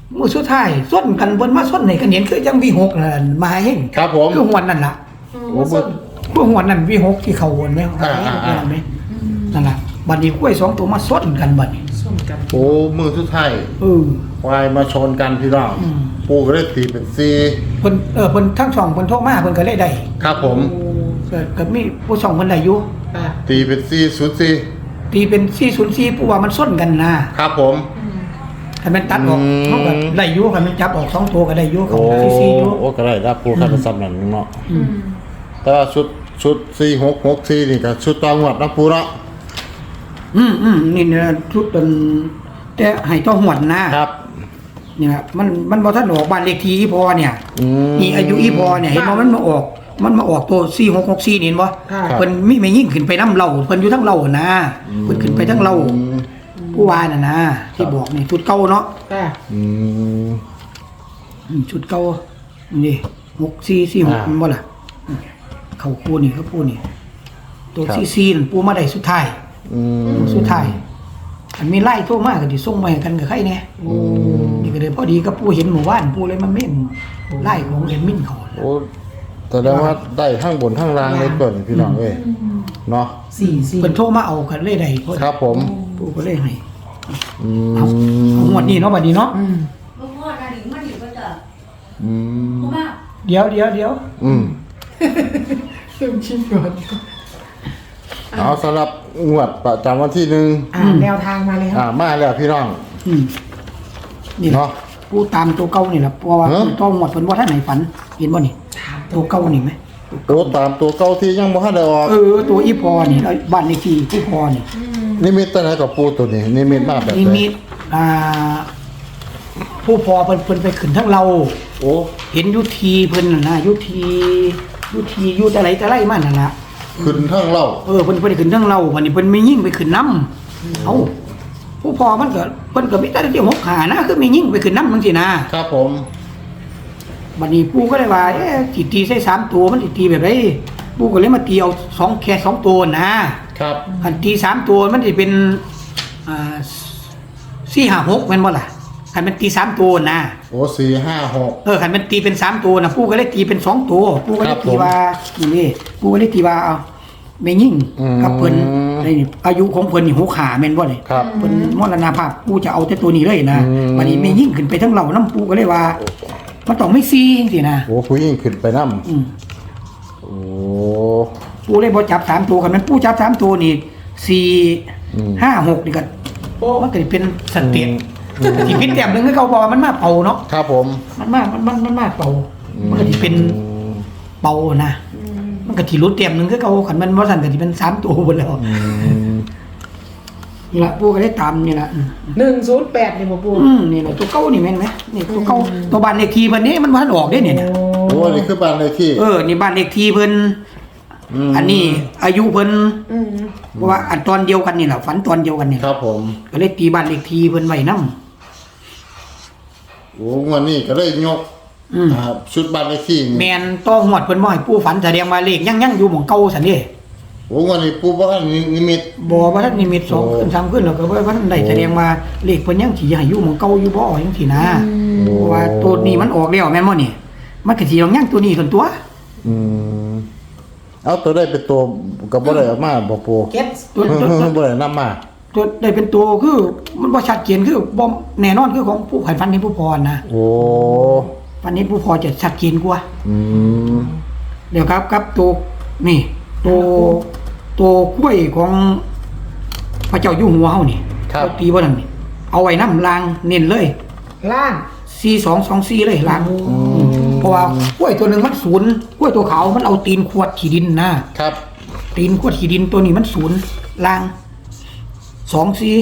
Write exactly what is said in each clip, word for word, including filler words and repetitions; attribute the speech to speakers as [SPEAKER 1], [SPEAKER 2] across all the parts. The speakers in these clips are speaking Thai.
[SPEAKER 1] มือสุดท้ายส้นกันบนมาส้นไหนกันเห็นคือยังวีหกน่ะมาเห็น
[SPEAKER 2] ครับผม
[SPEAKER 1] คือหวนนั่นล่ะ
[SPEAKER 2] โอ้เบิ่ง
[SPEAKER 1] พวกหวนนั่นวีหกที่เขาวนไหม
[SPEAKER 2] อ่าอ่าอ่า
[SPEAKER 1] นั่นล่ะบัดนี้กล้วยสองตัวมาส้นกันบัดนี้
[SPEAKER 3] ส้มกัน
[SPEAKER 2] โอ้มือสุดท้าย
[SPEAKER 1] เออ
[SPEAKER 2] ควายมาชนกันพี่น้อง
[SPEAKER 1] อืม
[SPEAKER 2] ปูก็เลยตีเป็นสี่
[SPEAKER 1] เพิ่นเออเพิ่นทั้งสองเพิ่นโทรมาเพิ่นก็เลยได้
[SPEAKER 2] ครับผม
[SPEAKER 1] ก็ก็มีผู้สองเพิ่นได้อยู่
[SPEAKER 3] ค่ะ
[SPEAKER 2] ตีเป็นสี่ศูนย์สี่
[SPEAKER 1] ตีเป็นสี่ศูนย์สี่ผู้ว่ามันส้นกันนะครับ
[SPEAKER 2] ผม
[SPEAKER 1] ถ้ามันตัดออก
[SPEAKER 2] อืม
[SPEAKER 1] มันก็ได้อยู่ถ้ามันจับออกสองตัวก็ได้อยู่เขา
[SPEAKER 2] โอ้
[SPEAKER 1] สี่สี่อยู่
[SPEAKER 2] โอ้ก็ได้รับปูคันซ้ำนั่นเนาะ
[SPEAKER 1] อืม
[SPEAKER 2] แต่ว่าชุดชุดสี่หกหกสี่นี่ก็ชุดตองหวดนะปูเนาะ
[SPEAKER 1] อืมอืมนี่เนี่ยชุดเป็นแต่ให้ต้องหวนนะครับ นี่นะมันมันบ่ทันออกบ้านเลขที่อีพอเนี่ย
[SPEAKER 2] อืม
[SPEAKER 1] นี่อายุอีพอเนี่ยเห็นบ่มันมาออก มันมาออกตัวสี่หกหกสี่นี่เห็นบ่
[SPEAKER 3] ค่ะ
[SPEAKER 1] เพิ่นมีไม่ยิ่งขึ้นไปน้ำเหล้าเพิ่นอยู่ทั้งเหล้านะเพิ่นขึ้นไปทั้งเหล้า
[SPEAKER 2] อืม
[SPEAKER 1] ผู้ว่าน่ะนะที่บอกนี่ชุดเก่าเนาะ
[SPEAKER 3] ค่ะ
[SPEAKER 2] อืม
[SPEAKER 1] อืมชุดเก่านี่หกสี่สี่หก
[SPEAKER 2] อ่า
[SPEAKER 1] มันบ่ล่ะอืมเข้าคู่นี่เขาคู่นี่ตัว
[SPEAKER 2] ครับ
[SPEAKER 1] สี่สี่นั่นปูมาได้สุดท้าย
[SPEAKER 2] อืม
[SPEAKER 1] สุดท้ายอันมีไล่โทรมาก็สิส่งมาให้กันกับใครแน่
[SPEAKER 3] โอ้
[SPEAKER 1] นี่ก็เลยพอดีกับปูเห็นหมู่บ้านปูเลยมาเม่นไล่ของเอ็มมินเขา
[SPEAKER 2] โอ้แสดงว่าได้ทั้งบนทั้งล่างเลยเปิดพี่น้องเอ้ยเนาะ
[SPEAKER 3] สี่สี่
[SPEAKER 1] เพิ่นโทรมาเอากันเลยได้พอดี
[SPEAKER 2] ครับผม
[SPEAKER 1] ปูก็เลยให้
[SPEAKER 2] อื
[SPEAKER 1] เอา
[SPEAKER 2] ม
[SPEAKER 1] เอางวดนี้เนาะบัดนี้เนาะ
[SPEAKER 3] อืม
[SPEAKER 4] ลูกพ่อนาดิมันอยู่ก็จะ
[SPEAKER 2] อืม
[SPEAKER 4] เพราะว่า
[SPEAKER 1] เดี๋ยวเดี๋ยวเดี๋ยว
[SPEAKER 2] อืม
[SPEAKER 3] เริ่มชิมก่อน
[SPEAKER 2] เอาสำหรับงวดประจำวันที่หนึ่ง
[SPEAKER 3] อ่าแนวทางมาเลยค
[SPEAKER 2] อ่า
[SPEAKER 3] รับ
[SPEAKER 2] มาแล้วพี่น้อง
[SPEAKER 1] อืมนี่
[SPEAKER 2] เนาะ
[SPEAKER 1] ปูตามตัวเก่านี่แหละเพราะว่า
[SPEAKER 2] ฮะ
[SPEAKER 1] ต้องหมดเพิ่นว่าท่านไหนฝันเห็นบ่นี่ตัวเก่านี่ไหม
[SPEAKER 2] โอ้ตามตัวเก่าที่ยังบ่ทันได้ออก
[SPEAKER 1] เออตัวอีพอนี่แล้วบ้านเลขที่ผู้พอนี่
[SPEAKER 2] นิมิตตัวไหนกับปูตัวนี้นิมิตมาแบบ
[SPEAKER 1] นี่
[SPEAKER 2] ไหน
[SPEAKER 1] มีอ่า ผู้พอเพิ่นเพิ่นไปขึ้นทั้งเรา
[SPEAKER 2] โอ้
[SPEAKER 1] เห็นอยุทีเพิ่นน่ะนะอยุทีอยุทีอยุอะไรแต่ไรมันน่ะนะ
[SPEAKER 2] ขึ้นทั้งเล่า
[SPEAKER 1] เออเพิ่นเพิ่นไปขึ้นทั้งเราวันนี้เพิ่นไม่ยิ่งไปขึ้นน้ำเอ้าผู้พอมันก็เพิ่นก็มีแต่ที่หกขานะคือไม่ยิ่งไปขึ้นน้ำจังซี่นะครับ
[SPEAKER 2] ผม
[SPEAKER 1] บัดนี้ปู่ก็เลยว่าเอ๊ะสิตีใส่สามตัวมันสิตีแบบไรปู่ก็เลยมาตีเอาสองแค่สองตัวนะครับ อันตีสามตัวมันสิเป็นอ่าสี่ห้าหกแม่นบ่ล่ะคันมันตีสามตัวนะ
[SPEAKER 2] โอ้สี่ห้าหก
[SPEAKER 1] เออคันมันตีเป็นสามตัวนะปู่ก็เลยตีเป็นสองตัวปู่ก็เล
[SPEAKER 2] ครั
[SPEAKER 1] ย
[SPEAKER 2] บ
[SPEAKER 1] ตีว่านี่นี่ปู่ก็เลยตีว่าเอาแม่ยิ่ง
[SPEAKER 2] อืม
[SPEAKER 1] กับเพิ่นนี่อายุของเพิ่นนี่หกขาแม่นบ่นี่
[SPEAKER 2] ครับ
[SPEAKER 1] เพิ่นมรณภาพปู่จะเอาแต่ตัวนี้เลยนะ
[SPEAKER 2] อืม
[SPEAKER 1] บัดนี้แม่ยิ่งขึ้นไปทั้งเหล่าน้ำปู่ก็เลยว่า มันต้องไม่ซีจังซี่นะ
[SPEAKER 2] โอ้ผู้หญิงขึ้นไปน้
[SPEAKER 1] อืม
[SPEAKER 2] ำโอ้
[SPEAKER 1] ปู่เลยบ่จับสามตัวกันมันปู่จับสามตัวนี่สี่
[SPEAKER 2] อืม
[SPEAKER 1] ห้าหกนี่ก็โอ้มันก็สิเป็นสเตียน
[SPEAKER 2] อืม
[SPEAKER 1] สิพิษแต้มหนึงคือเขาบอกว่ามันมาเป่าเนาะ
[SPEAKER 2] ครับผม
[SPEAKER 1] มันมามันมันมันมาเป่า มันก็สิเป็น เป่านะมันก็ที่รุดเต็มหนึ่งคือเขาขันมันว่าสั่นก็ที่เป็นสามตัวหมดแล้ว
[SPEAKER 2] อืม
[SPEAKER 1] นี่ละปูก็ได้ตามนี่ละอืม
[SPEAKER 3] หนึ่งศูนย์แปดนี่บ่ปู
[SPEAKER 1] อืมนี่แหละตัวเก้านี่แม่นไหมนี่ตัวเก้าตัวบ้านเลขที่เพิ่นนี่มันวันออกได้เนี่ยนะ
[SPEAKER 2] โอ้นี่คือบ้านเลขที่
[SPEAKER 1] เออนี่บ้านเลขที่เพิ่น
[SPEAKER 2] ม
[SPEAKER 1] อันนี้อายุเพิ่น
[SPEAKER 3] อืม
[SPEAKER 1] เพราะว่าอันตอนเดียวกันนี่แหละฝันตอนเดียวกันนี่
[SPEAKER 2] ครับผม
[SPEAKER 1] ก็เลยตีบ้านเลขที่เพิ่นไว้นำ
[SPEAKER 2] โอ้วันนี้ก็เลยยก
[SPEAKER 1] อืม
[SPEAKER 2] อ่าชุดบ้านเลขที่นี่
[SPEAKER 1] แม่นต้องหวดเพิ่นบ่ให้ปู่ฝันแสดงว่าเลขยังยังอยู่หม่องเก่าซั่นเด้
[SPEAKER 2] โอ้วันนี้ปูบ้านนิมิต
[SPEAKER 1] บ่ว่าท่านนิมิตสอง
[SPEAKER 2] โอ้
[SPEAKER 1] ขึ้นสามขึ้นแล้วก็ว่าท่านได้แสดงว่าเลขเพิ่นยังสิให้อยู่หม่องเก่าอยู่บ่จังซี่นะ
[SPEAKER 2] โอ้
[SPEAKER 1] เพราะว่าตัวนี้มันออกแล้วแม่นบ่นี่มันก็สิต้องยังตัวนี้ส่วนตัว
[SPEAKER 2] อืมเอาตัวได้เป็นตัวกับบ่ได้เออกมาบ่ปู
[SPEAKER 3] เก็ต
[SPEAKER 1] ตัวตัวตัว
[SPEAKER 2] บ่ได้นำมา
[SPEAKER 1] ตัวได้เป็นตัวคือมันบ่ชัดเจนคือบ่แน่นอนคือของผู้ไผฟันนี้ผู้พรนะ
[SPEAKER 2] โอ้
[SPEAKER 1] ฟันนี้ผู้พรจะชัดเจนกว่า
[SPEAKER 2] อืม
[SPEAKER 1] เดี๋ยวครับครับตัวนี่ตัวตัวกล้วยของพระเจ้าอยู่หัวเฮานี่
[SPEAKER 2] ครับ
[SPEAKER 1] เอาตีบ่นั่นนี่เอาไว้นำลางเน้นเลย
[SPEAKER 3] ล่าง
[SPEAKER 1] สี่สองสองสี่เลยลางเพราะว่ากล้วยตัวหนึงมันศูนย์กล้วยตัวขาวมันเอาตีนขวดขี้ดินนะครับ ตีนขวดขี้ดินตัวนี้มันศูนย์ลางสองสี่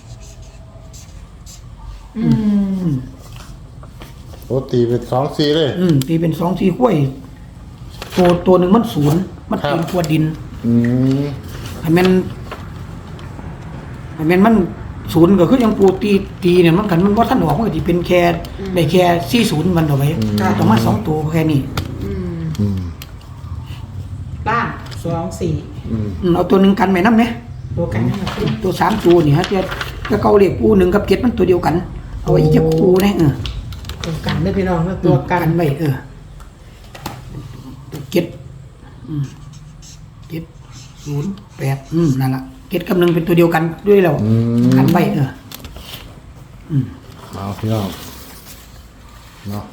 [SPEAKER 3] อืม
[SPEAKER 2] โอ้ตีเป็นสองสี่เลย
[SPEAKER 1] อืมตีเป็นสองสี่กล้วยตัวตัวหนึ่งมันศูนย์มัน
[SPEAKER 2] ครับ
[SPEAKER 1] ตีนขวดดิน
[SPEAKER 2] อืม
[SPEAKER 1] ให้แมันให้แมันมันศูนย์ก็คือยังปูตีตีเนี่ยมันกันมันว่าท่านออกมันก็ที่เป็นแค่ได้แค่สี่ศูนย์มันเอาไว้ต้องมาสองตัวแค่นี้
[SPEAKER 3] อืม
[SPEAKER 2] อืม
[SPEAKER 3] ล่างสองสี่
[SPEAKER 2] อืม
[SPEAKER 1] อืมเอาตัวหนึ่งกันไหมน้ำเนี่ย
[SPEAKER 3] ตัวกันนั่นแหละปู
[SPEAKER 1] ตัวสามตัวนี่ฮะจะจะเกาเลขปูหนึ่งกับเจ็ดมันตัวเดียวกัน เอาไว้อีกจะคูนะเออ
[SPEAKER 3] เลยพี่น้องนะตัวกัน
[SPEAKER 1] ไว้เออเจ็ดอืมเจ็ดศูนย์แปดอืมนั่นล่ะเจ็ดกับหนึ่งเป็นตัวเดียวกันด้วยแล้ว
[SPEAKER 2] อืม
[SPEAKER 1] กันไว้เอออืม
[SPEAKER 2] เอาพี่น้องเนาะ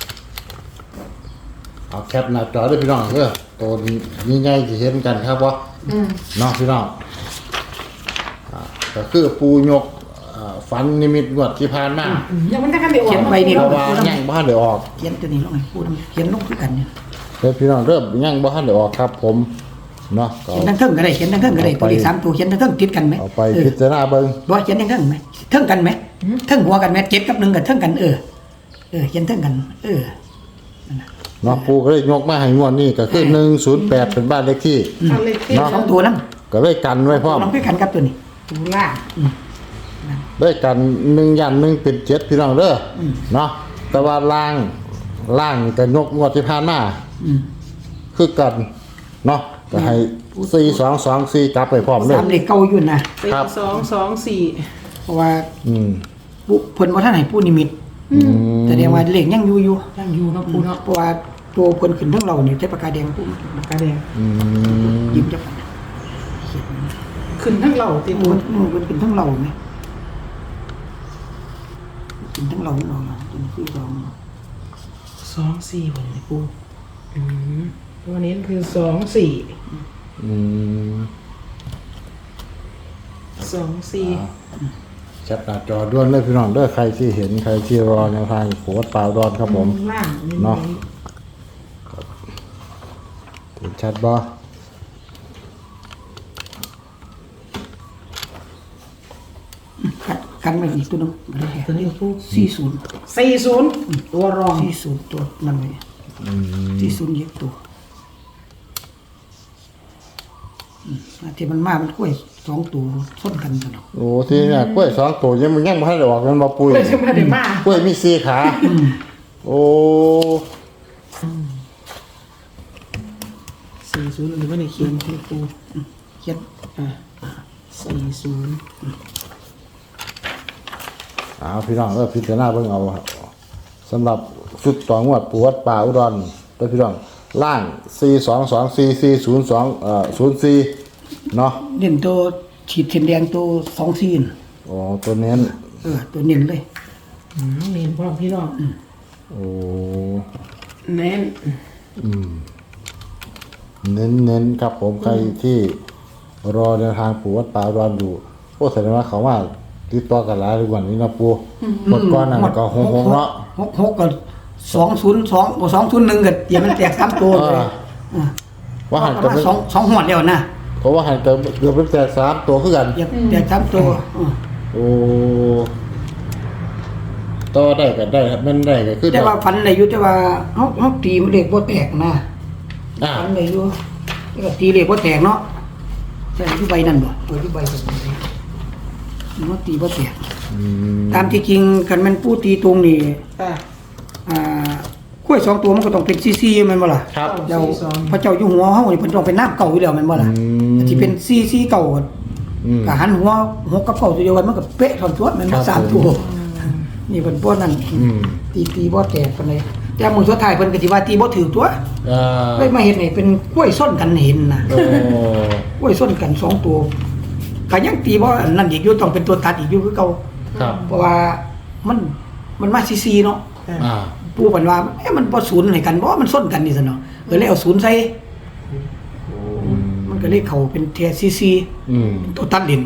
[SPEAKER 2] เอาแคปหน้าจอด้วยพี่น้องเด้อตัวนี้ง่ายๆที่เห็นกันครับว่า
[SPEAKER 3] อืม
[SPEAKER 2] เนาะพี่น้องอ่าก็คือปูยกอ่าฝันนิมิตงวดที่ผ่านมา
[SPEAKER 3] ยังมันจะกันได้ออก
[SPEAKER 1] เขียนไว้นี่
[SPEAKER 2] เพราะว่ายังบ่ทันได้ออก
[SPEAKER 1] เขียนตัวนี้ลงให้พูดเขียนลงคือกันเนี่ย
[SPEAKER 2] เด้อพี่น้องเริ่มยังบ่ทันได้ออกครับ ผมเนาะก็
[SPEAKER 1] เขียนทั้งเทิงก็ได้เขียนทั้งเทิงก็ได้
[SPEAKER 2] เอาไป
[SPEAKER 1] ตัวเลขสามตัวเขียนทั้งเทิงติดกันไหม
[SPEAKER 2] เอาไป
[SPEAKER 1] เออ
[SPEAKER 2] พิจารณาเบิ่ง
[SPEAKER 1] บ่เขียนทั้งเทิงไหมเทิงกันไหมเทิงหัวกันไหมเจ็ดกับหนึ่งกับเทิงกันเออเออเขียนเทิงกัน เออ
[SPEAKER 2] เนาะปูก็เลยยกมาให้งวดนี้ก็คือหนึ่งศูนย์แปดเป็นบ้านเลขที่
[SPEAKER 3] เอาเลขที่
[SPEAKER 2] เนาะ
[SPEAKER 1] สองตัวนั้น
[SPEAKER 2] ก็เลยกันไว้พร้อม
[SPEAKER 1] ลองด้วยกันครับตัวนี้
[SPEAKER 3] ตูล่าง
[SPEAKER 2] ได้กันหนึ่งยันหนึ่งเป็นเจ็ดพี่น้องเด้ออเนาะแต่ว่าล่างล่างนี่ก็ยกงวดที่ผ่านมา
[SPEAKER 1] อืม
[SPEAKER 2] คือกันเนาะก็ให้สี่สองสองสี่จับไปพร้อมเลย
[SPEAKER 1] สามเลขเก่าอยู่นะ
[SPEAKER 3] สี่
[SPEAKER 2] ครับ
[SPEAKER 3] สองสองสี่
[SPEAKER 1] เพราะว่า
[SPEAKER 2] อืม
[SPEAKER 1] ผู้เพิ่นบ่ทันให้ผู้นิมิต
[SPEAKER 2] อืม
[SPEAKER 1] แสดงว่าเลขยังอยู่อยู่
[SPEAKER 3] ยังอยู่เนาะปูเนาะ
[SPEAKER 1] เพราะว่าตัวเพิ่นขึ้นทั้งเราเนี่ยใช้ปากกาแดงผู้
[SPEAKER 3] ปากกาแดง
[SPEAKER 2] อืม
[SPEAKER 1] ยิ้มจับ
[SPEAKER 3] ขึ้นทั้งเหล่าติด
[SPEAKER 1] เพิ่
[SPEAKER 3] ปู
[SPEAKER 1] นเพิ่นขึ้นทั้งเราไหมขึ้นทั้งเราเราล่ะเป็นที่สอง
[SPEAKER 3] สองสี่บนเลยปูอืมตัวนี้คือสองสี่
[SPEAKER 2] อืม
[SPEAKER 3] สองสี่
[SPEAKER 2] แคปหน้าจอด้วนเลยพี่น้องเด้อใครที่เห็นใครที่รอแนวทางโขดเปล่าดอนครับผม
[SPEAKER 3] ล่าง
[SPEAKER 2] เนาะ เห็นชัดบ่
[SPEAKER 1] กันกันไว้อีกตัวหนึง
[SPEAKER 3] ตัวนี้ปู
[SPEAKER 1] สี่ศูนย์
[SPEAKER 3] สี่ศูนย์ตัวรอง
[SPEAKER 1] สี่ศูนย์ตัวนั่นไว้สี่ศูนย์เยอะตัวอืมอันที่มันมามันกล้วยสองตัวส้นกันกันเนาะ
[SPEAKER 2] โอ้ที่เนี่ยกล้วยสองตัวยังมันยังบ่ทันได้ออกมันบ่ปุ้ย
[SPEAKER 3] เลยจะมาได้มาก
[SPEAKER 2] ล้วยมีสี่ขาโอ้
[SPEAKER 3] สี่ศูนย์หรือว่าในเขียนที่ปู
[SPEAKER 1] เขียน
[SPEAKER 3] อ่าสี่ศูนย์
[SPEAKER 2] อ้าวพี่น้องเออพิจารณาเบิ่งเอาครับสำหรับชุดต่องวดปวดป่าอุดรเด้อพี่น้องล่างสี่สองสองสี่สี่ศูนย์สองเอ่อศูนย์สี่เนาะ
[SPEAKER 1] เน้นตัวฉีดเข็มแดงตัวสองซีน
[SPEAKER 2] อ๋อตัวเน้น
[SPEAKER 1] เออตัวเน้นเลย
[SPEAKER 3] อืมเน้นพ่อพี่น้อง
[SPEAKER 2] โอ้
[SPEAKER 3] เน้น
[SPEAKER 2] เน้นเน้นครับผมใครที่รอแนวทางปวดป่าอุดรอยู่โอ้แสดงว่าเขาว่าติดต่อกันหลายกว่านี้นะปูหมดก้อนนั่นก็หงหงเนาะ
[SPEAKER 1] หกหกก็สองศูนย์สองสองศูนย์หนึ่งก็อย่ามันแตกสามตัวเลย
[SPEAKER 2] อ่า
[SPEAKER 1] อ่า
[SPEAKER 2] ว่าหัน
[SPEAKER 1] ป
[SPEAKER 2] กั
[SPEAKER 1] ระ
[SPEAKER 2] บ
[SPEAKER 1] มาณสองสองหัวเดียวนะ
[SPEAKER 2] เพราะว่าหันกับเกือบเป็นแต่สามตัวคือกัน
[SPEAKER 1] อย่าแตกสามตัวอ่า
[SPEAKER 2] โอ้ต่อได้กันได้ครับมันได้ก็คือ
[SPEAKER 1] แต่ว่าฟันอะไรอยู่แต่ว่าเขาเขาตีมันเล็กบ่แตกนะ
[SPEAKER 2] อ่า
[SPEAKER 1] ฟันอะไรอยู่แต่ก็ตีเล็กบ่แตกเนาะใช่ที่ใบนั่นบ่ตัวที่ใบตรงนี้มันตีบ่แตก
[SPEAKER 2] อืม
[SPEAKER 1] ตามที่จริงกันมันผู้ตีตรงนี่
[SPEAKER 3] อ่า
[SPEAKER 1] อ่ากล้วยสองตัวมันก็ต้องเป็นซีซีแม่นบ่ล่ะ
[SPEAKER 2] ครับ
[SPEAKER 1] แล้ว
[SPEAKER 3] ซีสอง
[SPEAKER 1] พระเจ้าอยู่หัวเฮานี่เพิ่นต้องเป็นน้ำเก่าอยู่แล้วแม่นบ่ล่ะ
[SPEAKER 2] อืม
[SPEAKER 1] ที่เป็นซีซีเก่า
[SPEAKER 2] อืม
[SPEAKER 1] ก็หันหัวหัวกับเก่าตัวเดียวกันมันก็เป๊ะทอนตัวแม่น
[SPEAKER 2] ครั
[SPEAKER 1] บ่
[SPEAKER 2] บ
[SPEAKER 1] สามตัวนี่เพิ่นบ่นั่น
[SPEAKER 2] อืม
[SPEAKER 1] ตีตีบ่แตกปานใดแต่มื้อสุดท้ายเพิ่นก็สิว่าตีบ่ถูกตัว
[SPEAKER 2] อ่า
[SPEAKER 1] เลยมาเห็นนี่เป็นกล้วยส้นกันเห็นน่ะ
[SPEAKER 2] โอ้
[SPEAKER 1] กล้วยส้นกันสองตัวก็ยังตีบ่อันนั่นอีกอยู่ต้องเป็นตัวตัดอีกอยู่คือเก่า
[SPEAKER 2] ครับ
[SPEAKER 1] เพราะว่ามันมันมาซีซีเนาะ
[SPEAKER 2] อ่า
[SPEAKER 1] ปู่เพิ่นว่าเอ๊ะมันบ่ศูนย์ให้กันบ่มันส้นกันนี่ซั่นเนาะเออเลยเอาศูนย์ใส่
[SPEAKER 2] อืม
[SPEAKER 1] มันก็เลยเข้าเป็นเทียซีซี
[SPEAKER 2] อืม
[SPEAKER 1] ตัวตัดดิน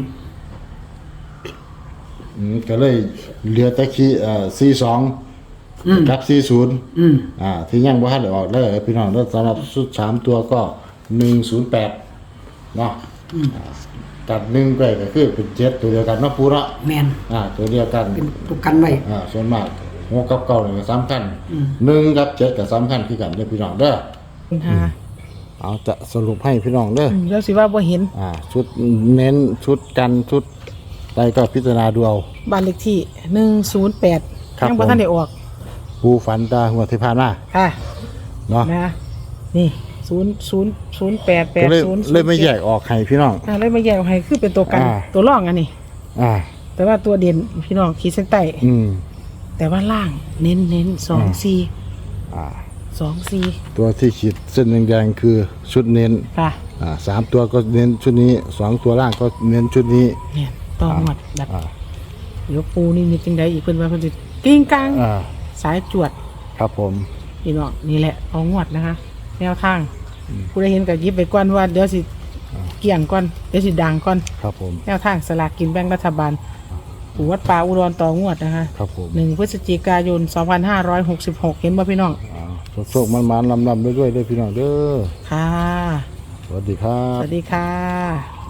[SPEAKER 2] อืมก็เลยเหลือแต่คีเอ่อสี่สอง
[SPEAKER 1] อืม
[SPEAKER 2] กับสี่ศูนย์
[SPEAKER 1] อืม
[SPEAKER 2] อ่า ที่ยังบ่ทันได้ออกเลยพี่น้องแล้วสำหรับชุดสามตัวก็หนึ่งศูนย์แปดเนาะ
[SPEAKER 1] อืม
[SPEAKER 2] อ่าตัดหนึ่งไปก็คือเป็นเจ็ดตัวเดียวกันเนาะปูเนาะ
[SPEAKER 1] แม่น
[SPEAKER 2] อ่า ตัวเดียวกัน
[SPEAKER 1] เป็นตัวกันไว้
[SPEAKER 2] อ่าส่วนมากหัวกับเก่าเนี่ยก็สำคัญ
[SPEAKER 1] อืม
[SPEAKER 2] หนึ่งกับเจ็ดก็สำคัญคือกันเด้อพี่น้องเด้อ
[SPEAKER 3] คุณฮา
[SPEAKER 2] เอาจะสรุปให้พี่น้องเด้อ
[SPEAKER 3] อืมแล้วสิว่าบ่เห็น
[SPEAKER 2] อ่า ชุดเน้นชุดกันชุดใดก็พิจารณาดูเอา
[SPEAKER 3] บ้านเลขที่หนึ่งศูนย์แปด
[SPEAKER 2] ครับ
[SPEAKER 3] ยังบ่
[SPEAKER 2] ผม
[SPEAKER 3] ทันได้ออก
[SPEAKER 2] ปูฝันตาหัวที่ผ่านมา
[SPEAKER 3] ค่ะ
[SPEAKER 2] เนาะ
[SPEAKER 3] นะนี่ศูนย์ศูนย์ศูนย์แปดแป
[SPEAKER 2] ก็
[SPEAKER 3] ด
[SPEAKER 2] เลย
[SPEAKER 3] ศูนย์
[SPEAKER 2] เลยไม่แยกออกให้พี่น้อง
[SPEAKER 3] อ่าเลยมาแยกออกให้คือเป็นตัวกัน
[SPEAKER 2] อ่า
[SPEAKER 3] ตัวร่องอันนี้
[SPEAKER 2] อ่า
[SPEAKER 3] แต่ว่าตัวเด่นพี่น้องขีดเส้นใต้
[SPEAKER 2] อืม
[SPEAKER 3] แต่ว่าล่างเน้นเน้นสองสี่
[SPEAKER 2] อ่า
[SPEAKER 3] สองสี่
[SPEAKER 2] ตัวที่ขีดเส้นแดงๆคือชุดเน้น
[SPEAKER 3] ค่ะ
[SPEAKER 2] อ่าสามตัวก็เน้นชุดนี้สองตัวล่างก็เน้นชุดนี้
[SPEAKER 3] เนี่ยต่อหมดแบบ
[SPEAKER 2] อ่า
[SPEAKER 3] เดี๋ยวปูนี่มีจังใดอีกเพิ่นว่าเพิ่นสิกิ้งกลาง
[SPEAKER 2] อ่า
[SPEAKER 3] สายจวด
[SPEAKER 2] ครับผม
[SPEAKER 3] พี่น้องนี่แหละเอางวดนะคะ แนวทางผู้ใดเห็นก็หยิบไปก่อนว่าเดี๋ยวสิเกี่ยงก่อนเดี๋ยวสิดังก่อน
[SPEAKER 2] ครับผม
[SPEAKER 3] แนวทางสลากกินแบ่งรัฐบาลปู่วัดป่าอุดรต่องวดนะคะ
[SPEAKER 2] ครับผม
[SPEAKER 3] หนึ่งพฤศจิกายนสองพันห้าร้อยหกสิบหกเห็นบ่พี่น้อง
[SPEAKER 2] อ่าโชคๆมันๆลำๆด้วยๆด้วยพี่น้องเด้อ
[SPEAKER 3] ค่ะ
[SPEAKER 2] สวัสดีครั
[SPEAKER 3] ส
[SPEAKER 2] บ
[SPEAKER 3] วัสดีค่ะ